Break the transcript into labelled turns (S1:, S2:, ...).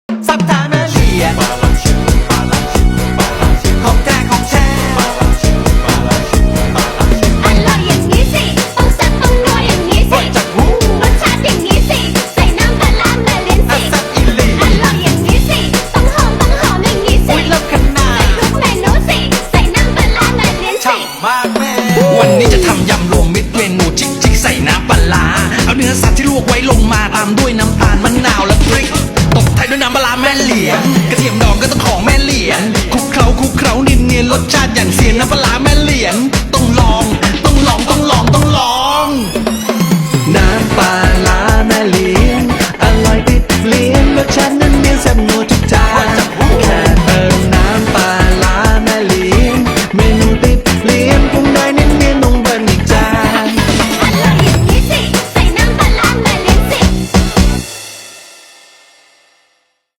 S1: สับทางแม่เหลียงของแท้ของแท้
S2: อร่อยอย่างนี้สิต้องแซ่บต้องนัวอย่างนี้สิรสชาติอย่างนี้สิใส่น้ำปลาร้ามาเลี้ยงสิ
S1: แซ่บอีหลี
S2: อร่อยอย่างนี้สิต้องหอมอย่างนี้สิ
S1: อุ้ยเลิศขนาด
S2: ทุกเมนูสิใส่น้ำปลาร้ามาเลี้ยงสิ
S1: ฉ่ำมากแม่
S3: วันนี้จะทำยำรวมมิตรเมนูจิกจิกใส่น้ำปลาร้าเอาเนื้อสัตว์ที่ลวกไว้ลงมาตามด้วยน้ำตาลมะนาวและพริกตบท้ายด้วยน้ำปลาร้าแม่เหลียงกระเทียมดองก็ต้องของแม่เหลียงคลุกเคล้าเนียนๆรสชาติอย่างเสียนน้ำปลาร้าแม่เหลียงต้องลองต้องลองต้องลองต้องลองน้ำปลาร้าแม่เหลียงอร่อยติดเลียนรสชาตินั้นเนียนแซ่บนัว